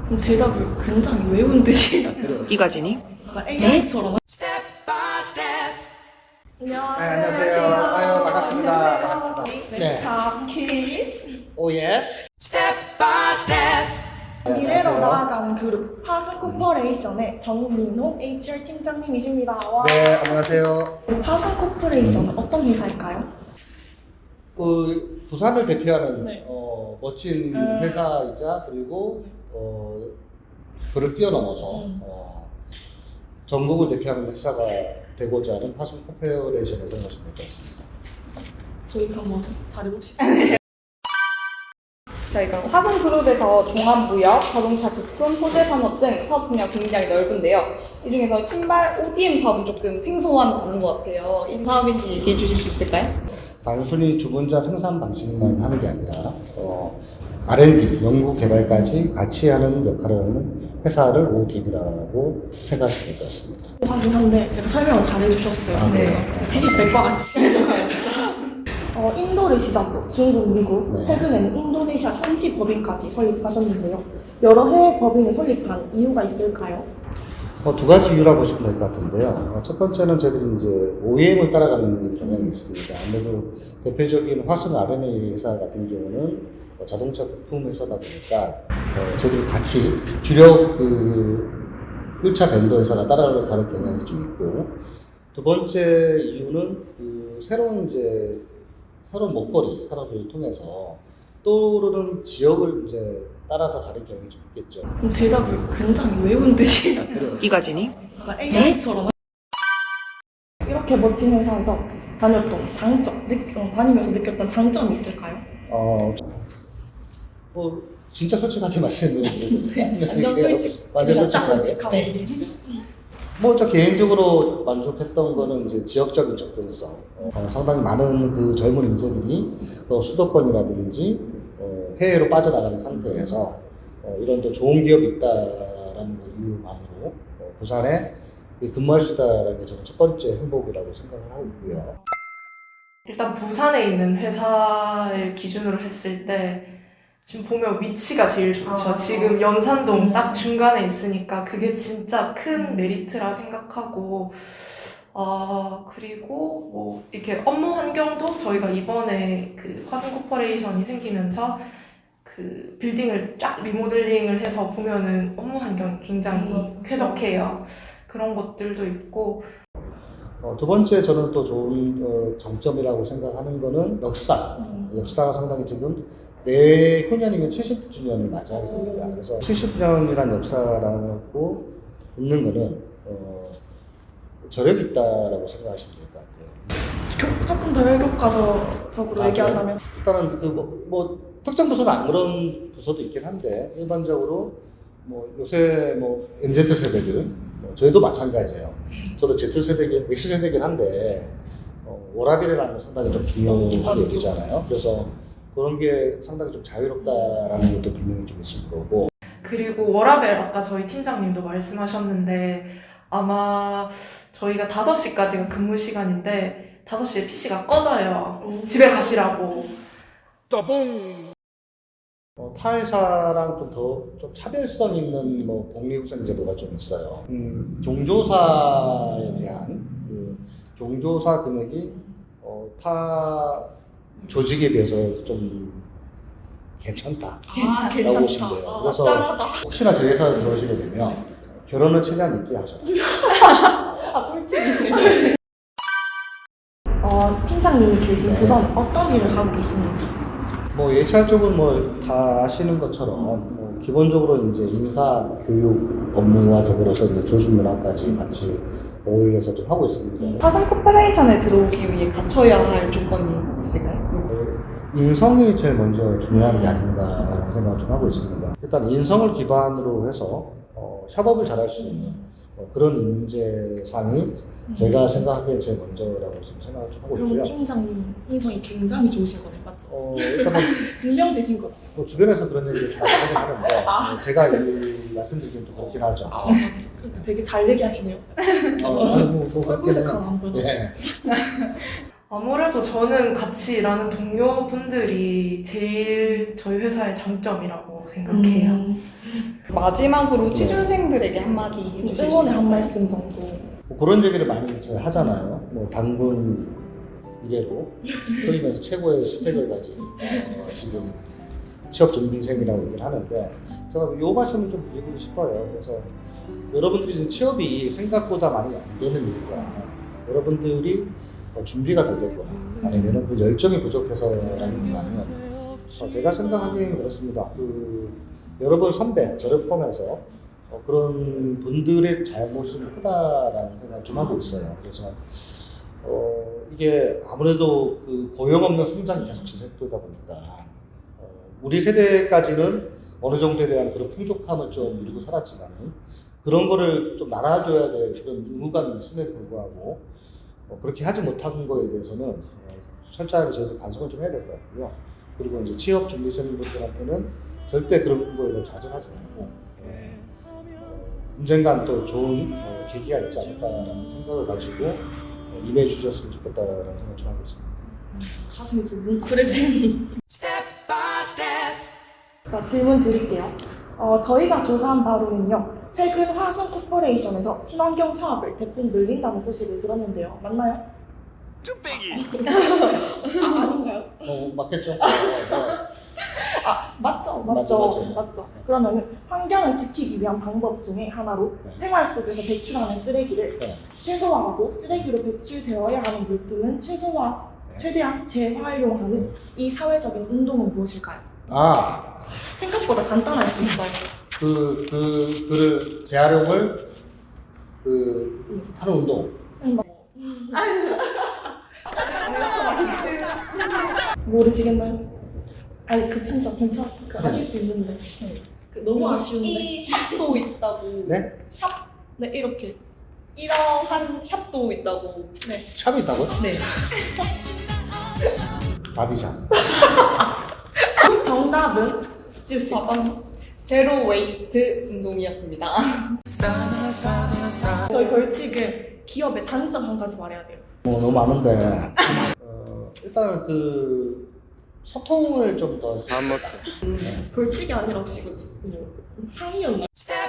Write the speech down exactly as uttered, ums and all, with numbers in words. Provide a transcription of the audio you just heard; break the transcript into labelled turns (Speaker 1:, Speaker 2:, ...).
Speaker 1: 대답을 굉장히 외운 듯이
Speaker 2: 네가 지니?
Speaker 1: 에이아이처럼.
Speaker 3: 안녕하세요. 네, 안녕하세요. 아유, 반갑습니다. 반갑습니다.
Speaker 1: 네. 자, 키즈.
Speaker 3: 오 예스.
Speaker 1: 미래로 나아가는 그룹 화승 코퍼레이션의 정민호 에이치알 팀장님이십니다. 와.
Speaker 3: 네, 안녕하세요.
Speaker 1: 화승 코퍼레이션은 어떤 회사일까요?
Speaker 3: 그 부산을 대표하는
Speaker 1: 네.
Speaker 3: 어, 멋진
Speaker 1: 음.
Speaker 3: 회사이자 그리고 어, 그를 뛰어넘어서
Speaker 1: 음.
Speaker 3: 어, 전국을 대표하는 회사가 되고자 하는 화승 코퍼레이션을 생각하시면 될 것 같습니다.
Speaker 1: 저희 한번 잘해봅시다.
Speaker 4: 저희가 화성그룹에서 종합무역, 자동차 부품, 소재산업 등 사업 분야가 굉장히 넓은데요. 이 중에서 신발 오디엠 사업은 조금 생소한 단어인 것 같아요. 이 사업인지 얘기해 주실 수 있을까요?
Speaker 3: 단순히 주문자 생산 방식만 하는 게 아니라 어, 알 앤 디, 연구 개발까지 같이 하는 역할을 하는 회사를 오디엠이라고 생각하시면 될 것 같습니다.
Speaker 1: 하긴 한데 제가 설명을 잘해주셨어요.
Speaker 3: 아,
Speaker 1: 네.
Speaker 3: 네.
Speaker 1: 지식 백과 같이. 어, 인도를 시작으로 중국, 미국,
Speaker 3: 네.
Speaker 1: 최근에는 인도네시아 현지 법인까지 설립하셨는데요. 여러 해외 법인을 설립한 이유가 있을까요?
Speaker 3: 어, 두 가지 이유라고 보시면 될 것 같은데요. 어, 첫 번째는 저희들이 이제 오 이 엠을 따라가는 경향이 있습니다. 아무래도 대표적인 화승 알 앤 에이 회사 같은 경우는 어, 자동차 부품 회사다 보니까 어, 저희들이 같이 주력 그 일 차 벤더 회사가 따라가는 경향이 좀 있고, 두 번째 이유는 그 새로운 이제 새로운 먹거리 산업을 통해서 떠오르는 지역을 이제 따라서 가는 경향이 좀 있겠죠.
Speaker 1: 대답을 굉장히 외운 듯이.
Speaker 2: 네가 지니?
Speaker 1: 에이아이처럼. 이렇게 멋진 회사에서 다녔던 장점, 느, 어, 다니면서 느꼈던 장점이 있을까요?
Speaker 3: 어, 뭐 진짜 솔직하게 말씀드리면
Speaker 4: 완전 솔직.
Speaker 3: 완전
Speaker 1: 진짜
Speaker 3: 솔직하게.
Speaker 1: 솔직하게
Speaker 3: 네.
Speaker 1: 얘기해 주세요.
Speaker 3: 뭐 저 개인적으로 만족했던 거는 이제 지역적인 접근성. 어, 상당히 많은 그 젊은 인재들이 어, 수도권이라든지 어, 해외로 빠져나가는 상태에서 어, 이런 또 좋은 기업이 있다라는 그 이유만으로 어, 부산에 근무할 수 있다라는 게 저는 첫 번째 행복이라고 생각을 하고 있고요.
Speaker 5: 일단 부산에 있는 회사를 기준으로 했을 때 지금 보면 위치가 제일 좋죠.
Speaker 1: 아,
Speaker 5: 지금 연산동
Speaker 1: 음.
Speaker 5: 딱 중간에 있으니까 그게 진짜 큰 메리트라 생각하고, 어, 그리고 뭐 이렇게 업무 환경도 저희가 이번에 그 화승 코퍼레이션이 생기면서 그 빌딩을 쫙 리모델링을 해서 보면은 업무 환경이 굉장히
Speaker 1: 맞아.
Speaker 5: 쾌적해요. 그런 것들도 있고.
Speaker 3: 어, 두 번째 저는 또 좋은 어, 장점이라고 생각하는 거는 역사.
Speaker 1: 음.
Speaker 3: 역사가 상당히 지금 내후년이면 칠십 주년을 맞이하게 됩니다. 그래서 칠십 년이란 역사라고 있는 거는 어, 저력이 있다라고 생각하시면 될 것 같아요.
Speaker 1: 교- 조금 더 혈교과서적으로
Speaker 3: 아,
Speaker 1: 얘기한다면
Speaker 3: 일단은 그 뭐, 뭐 특정 부서는 안 그런 부서도 있긴 한데 일반적으로 뭐 요새 뭐 엠지 세대들, 뭐 저희도 마찬가지예요. 저도 Z 세대긴 X 세대긴 한데 어, 워라밸이라는 건 상당히 좀 중요하게 여기잖아요. 그래서 그런 게 상당히 좀 자유롭다라는 것도 분명히 좀 있을 거고.
Speaker 5: 그리고 워라밸 아까 저희 팀장님도 말씀하셨는데 아마 저희가 다섯 시까지가 근무 시간인데 다섯 시에 피씨가 꺼져요. 집에 가시라고.
Speaker 3: 어, 타 회사랑 좀 더 좀 차별성 있는 뭐 복리후생 제도가 좀 있어요. 음, 경조사에 대한 그 경조사 금액이 어, 타 조직에 비해서 좀 괜찮다.
Speaker 1: 아,
Speaker 3: 라고 보시면 돼요.
Speaker 1: 아,
Speaker 3: 그래서
Speaker 1: 짠하다.
Speaker 3: 혹시나 저희 회사에 들어오시게 되면 결혼을 최대한 늦게 하셔라.
Speaker 1: 아, 꿀팁이네. 어, 팀장님이 계신
Speaker 3: 네.
Speaker 1: 부서는 어떤 일을 하고 계시는지.
Speaker 3: 뭐 에이치알 쪽은 뭐 다 아시는 것처럼 뭐 기본적으로 이제 인사 교육 업무와 더불어서 이제 조직 문화까지 같이 어울려서 좀 하고 있습니다.
Speaker 4: 화성 코퍼레이션에 들어오기 위해 갖춰야 할 조건이 있을까요?
Speaker 3: 어, 인성이 제일 먼저 중요한 게 아닌가라는 생각을 좀 하고 있습니다. 일단 인성을 기반으로 해서 어, 협업을 잘할 수 있는 어, 그런 인재상이 제가 생각하기엔 제일 먼저라고 지금 생각을 좀 하고
Speaker 1: 그럼
Speaker 3: 있고요.
Speaker 1: 팀장님 인성이 굉장히 좋으신 거네, 맞죠?
Speaker 3: 어, 일단 뭐,
Speaker 1: 증명되신 거죠?
Speaker 3: 뭐 주변에서 그런 얘기를 좀 많이 하긴 하는데 어, 제가 이 말씀드리기엔 좀 그렇긴 하죠.
Speaker 1: 아, 맞죠. 되게 잘 얘기하시네요.
Speaker 3: 어, 아니, 뭐, 뭐
Speaker 1: 얼굴색
Speaker 3: 그렇게는-
Speaker 1: 하나 안 보여서.
Speaker 3: 예.
Speaker 5: 아무래도 저는 같이 일하는 동료분들이 제일 저희 회사의 장점이라고 생각해요.
Speaker 1: 음,
Speaker 4: 마지막으로 취준생들에게 한마디 해주실 수
Speaker 1: 응원의 한
Speaker 4: 있을까요?
Speaker 1: 말씀 정도.
Speaker 3: 뭐 그런 얘기를 많이 이제 하잖아요. 뭐 당군 이래로 소위 말해서 최고의 스펙을 가진 어, 지금 취업 준비생이라고 얘기를 하는데 제가 이 말씀을 좀 드리고 싶어요. 그래서 여러분들이 지금 취업이 생각보다 많이 안 되는 이유가 여러분들이 어, 준비가 덜 됐거나 아니면 그 열정이 부족해서라기보다는 어, 제가 생각하기에는 그렇습니다. 그 여러분 선배 저를 포함해서 어, 그런 분들의 잘못이 좀 크다라는 생각을 좀 하고 있어요. 그래서 어, 이게 아무래도 그 고용 없는 성장이 계속 지속되다 보니까 어, 우리 세대까지는 어느 정도에 대한 그런 풍족함을 좀 누리고 살았지만은 그런 거를 좀 날아줘야 될 그런 의무감이 있음에도 불구하고 어, 그렇게 하지 못한 거에 대해서는 어, 철저하게 저희들 반성을 좀 해야 될 것 같고요. 그리고 이제 취업 준비생분들한테는 절대 그런 거에 대해 좌절하지 말고 예, 어, 언젠간 또 좋은 어, 계기가 있지 않을까라는 생각을 가지고 어, 임해 주셨으면 좋겠다라는 생각을 좀 하고 있습니다.
Speaker 1: 가슴이 좀 뭉클해지는. 자, 질문 드릴게요. 어, 저희가 조사한 바로는요, 최근 화성 코퍼레이션에서 친환경 사업을 대폭 늘린다는 소식을 들었는데요. 맞나요? 쭈빼기! 아, 아닌가요?
Speaker 3: 어, 맞겠죠? 어, 어.
Speaker 1: 아, 맞죠,
Speaker 3: 맞죠,
Speaker 1: 맞죠,
Speaker 3: 맞죠.
Speaker 1: 맞죠. 그러면은 환경을 지키기 위한 방법 중에 하나로
Speaker 3: 네.
Speaker 1: 생활 속에서 배출하는 쓰레기를
Speaker 3: 네.
Speaker 1: 최소화하고 쓰레기로 배출되어야 하는 물품은 최소화,
Speaker 3: 네.
Speaker 1: 최대한 재활용하는 이 사회적인 운동은 무엇일까요?
Speaker 3: 아,
Speaker 1: 생각보다 간단할 수 있어요.
Speaker 3: 그, 그, 그를 재활용을 그 하는 운동.
Speaker 1: 모르시겠나요? 아니 그 진짜 괜찮, 그 하실 수 있는데 네. 그 너무
Speaker 4: 여기
Speaker 1: 아쉬운데.
Speaker 4: 이 샵도 있다고.
Speaker 3: 네?
Speaker 4: 샵
Speaker 1: 네 이렇게.
Speaker 4: 이러한 샵도 있다고. 네.
Speaker 3: 샵이 있다고요?
Speaker 4: 네.
Speaker 3: 바디샵.
Speaker 1: 정답은 지우씨.
Speaker 4: 답은 제로 웨이스트 운동이었습니다.
Speaker 1: 저희 벌칙은 기업의 단점 한 가지 말해야 돼요.
Speaker 3: 뭐 너무 많은데 어, 일단 그 소통을 좀 더
Speaker 2: 안 먹지.
Speaker 1: 벌칙이 아니라 혹시 그 뭐, 상이었나?